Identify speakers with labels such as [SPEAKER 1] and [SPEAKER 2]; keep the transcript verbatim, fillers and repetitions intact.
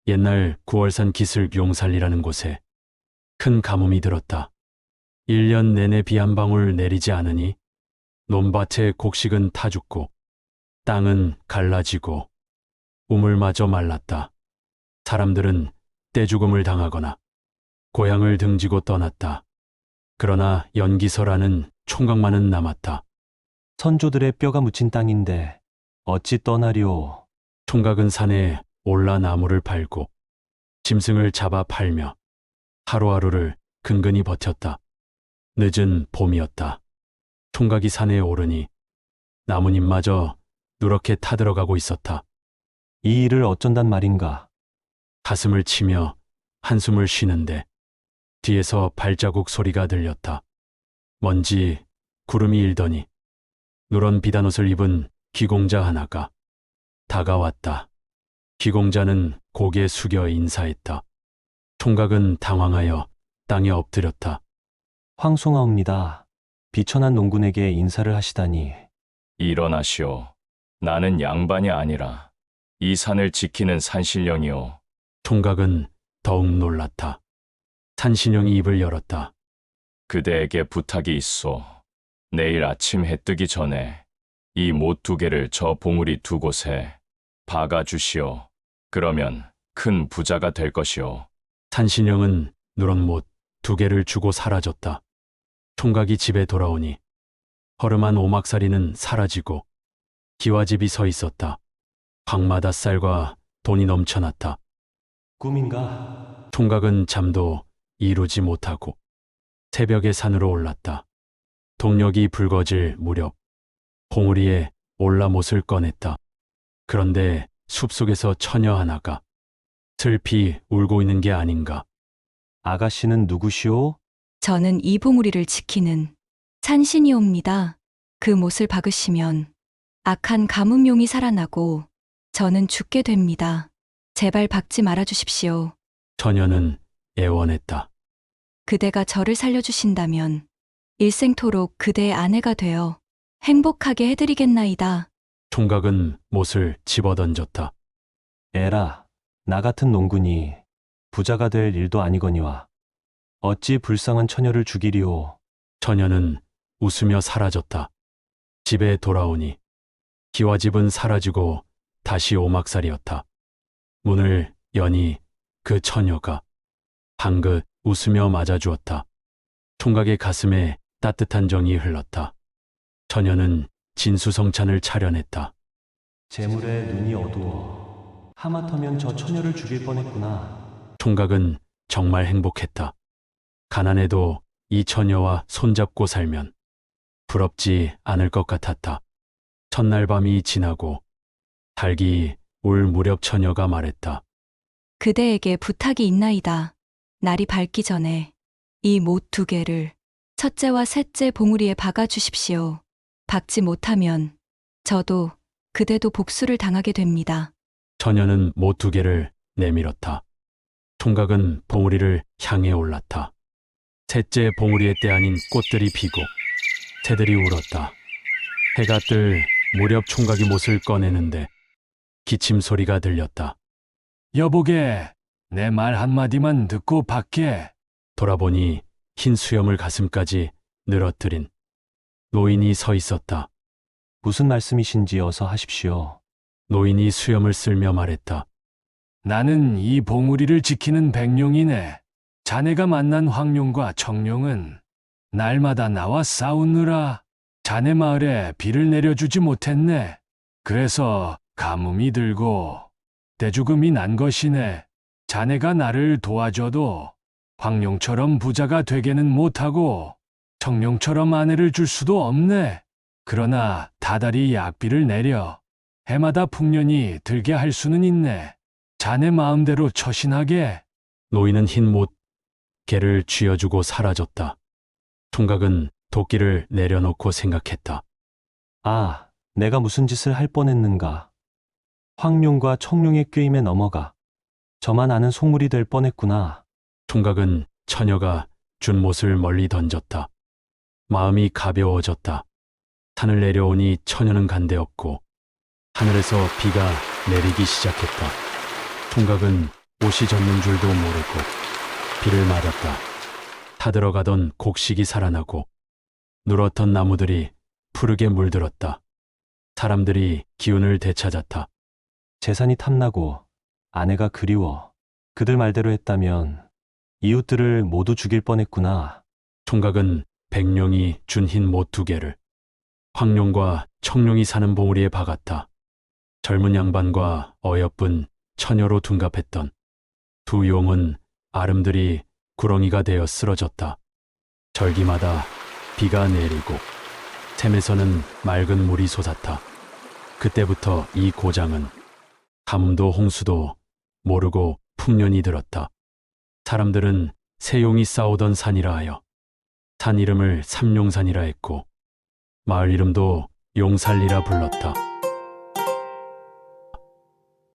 [SPEAKER 1] 옛날 구월산 기슭 용살리라는 곳에 큰 가뭄이 들었다. 일 년 내내 비 한 방울 내리지 않으니 논밭의 곡식은 타 죽고 땅은 갈라지고 우물마저 말랐다. 사람들은 떼죽음을 당하거나 고향을 등지고 떠났다. 그러나 연기서라는 총각만은 남았다.
[SPEAKER 2] 선조들의 뼈가 묻힌 땅인데 어찌 떠나리오.
[SPEAKER 1] 총각은 산에 올라 나무를 팔고 짐승을 잡아 팔며 하루하루를 근근히 버텼다. 늦은 봄이었다. 총각이 산에 오르니 나뭇잎마저 누렇게 타들어가고 있었다.
[SPEAKER 2] 이 일을 어쩐단 말인가.
[SPEAKER 1] 가슴을 치며 한숨을 쉬는데 뒤에서 발자국 소리가 들렸다. 먼지 구름이 일더니 누런 비단옷을 입은 귀공자 하나가 다가왔다. 귀공자는 고개 숙여 인사했다. 총각은 당황하여 땅에 엎드렸다.
[SPEAKER 2] 황송하옵니다. 비천한 농군에게 인사를 하시다니.
[SPEAKER 3] 일어나시오. 나는 양반이 아니라 이 산을 지키는 산신령이오.
[SPEAKER 1] 총각은 더욱 놀랐다. 산신령이 입을 열었다.
[SPEAKER 3] 그대에게 부탁이 있소. 내일 아침 해 뜨기 전에 이 못 두 개를 저 봉우리 두 곳에 박아 주시오. 그러면 큰 부자가 될 것이오.
[SPEAKER 1] 산신령은 누런 못 두 개를 주고 사라졌다. 총각이 집에 돌아오니 허름한 오막살이는 사라지고 기와집이 서 있었다. 방마다 쌀과 돈이 넘쳐났다.
[SPEAKER 2] 꿈인가?
[SPEAKER 1] 총각은 잠도 이루지 못하고 새벽에 산으로 올랐다. 동력이 붉어질 무렵 봉우리에 올라 못을 꺼냈다. 그런데 숲속에서 처녀 하나가 슬피 울고 있는 게 아닌가.
[SPEAKER 2] 아가씨는 누구시오?
[SPEAKER 4] 저는 이 봉우리를 지키는 산신이옵니다. 그 못을 박으시면 악한 가뭄용이 살아나고 저는 죽게 됩니다. 제발 박지 말아 주십시오.
[SPEAKER 1] 처녀는 애원했다.
[SPEAKER 4] 그대가 저를 살려주신다면 일생토록 그대의 아내가 되어 행복하게 해드리겠나이다.
[SPEAKER 1] 총각은 못을 집어던졌다.
[SPEAKER 2] 에라, 나 같은 농군이 부자가 될 일도 아니거니와 어찌 불쌍한 처녀를 죽이리오.
[SPEAKER 1] 처녀는 웃으며 사라졌다. 집에 돌아오니 기와집은 사라지고 다시 오막살이었다. 문을 여니 그 처녀가 방긋 웃으며 맞아주었다. 총각의 가슴에 따뜻한 정이 흘렀다. 처녀는 진수성찬을 차려냈다.
[SPEAKER 2] 재물에 눈이 어두워. 하마터면 저 처녀를 죽일 뻔했구나.
[SPEAKER 1] 총각은 정말 행복했다. 가난해도 이 처녀와 손잡고 살면 부럽지 않을 것 같았다. 첫날 밤이 지나고 달기 울 무렵 처녀가 말했다.
[SPEAKER 4] 그대에게 부탁이 있나이다. 날이 밝기 전에 이 못 두 개를 첫째와 셋째 봉우리에 박아 주십시오. 박지 못하면 저도 그대도 복수를 당하게 됩니다.
[SPEAKER 1] 처녀는 못 두 개를 내밀었다. 총각은 봉우리를 향해 올랐다. 셋째 봉우리의 때 아닌 꽃들이 피고 새들이 울었다. 해가 뜰 무렵 총각이 못을 꺼내는데 기침 소리가 들렸다.
[SPEAKER 5] 여보게, 내 말 한마디만 듣고 밖에.
[SPEAKER 1] 돌아보니 흰 수염을 가슴까지 늘어뜨린 노인이 서 있었다.
[SPEAKER 2] 무슨 말씀이신지 어서 하십시오.
[SPEAKER 1] 노인이 수염을 쓸며 말했다.
[SPEAKER 5] 나는 이 봉우리를 지키는 백룡이네. 자네가 만난 황룡과 청룡은 날마다 나와 싸우느라 자네 마을에 비를 내려주지 못했네. 그래서 가뭄이 들고 떼죽음이 난 것이네. 자네가 나를 도와줘도 황룡처럼 부자가 되게는 못하고 청룡처럼 아내를 줄 수도 없네. 그러나 다달이 약비를 내려 해마다 풍년이 들게 할 수는 있네. 자네 마음대로 처신하게.
[SPEAKER 1] 노인은 흰 못 개를 쥐어주고 사라졌다. 총각은 도끼를 내려놓고 생각했다.
[SPEAKER 2] 아, 내가 무슨 짓을 할 뻔했는가. 황룡과 청룡의 꾀임에 넘어가 저만 아는 속물이 될 뻔했구나.
[SPEAKER 1] 총각은 처녀가 준 못을 멀리 던졌다. 마음이 가벼워졌다. 산을 내려오니 처녀는 간데없고 하늘에서 비가 내리기 시작했다. 총각은 옷이 젖는 줄도 모르고 비를 맞았다. 타들어가던 곡식이 살아나고 누렇던 나무들이 푸르게 물들었다. 사람들이 기운을 되찾았다.
[SPEAKER 2] 재산이 탐나고 아내가 그리워. 그들 말대로 했다면 이웃들을 모두 죽일 뻔했구나.
[SPEAKER 1] 총각은 백룡이 준 흰 못 두 개를 황룡과 청룡이 사는 봉우리에 박았다. 젊은 양반과 어여쁜 처녀로 둔갑했던 두 용은 아름드리 구렁이가 되어 쓰러졌다. 절기마다 비가 내리고 샘에서는 맑은 물이 솟았다. 그때부터 이 고장은 가뭄도 홍수도 모르고 풍년이 들었다. 사람들은 세 용이 싸우던 산이라 하여 산 이름을 삼룡산이라 했고 마을 이름도 용살리라 불렀다.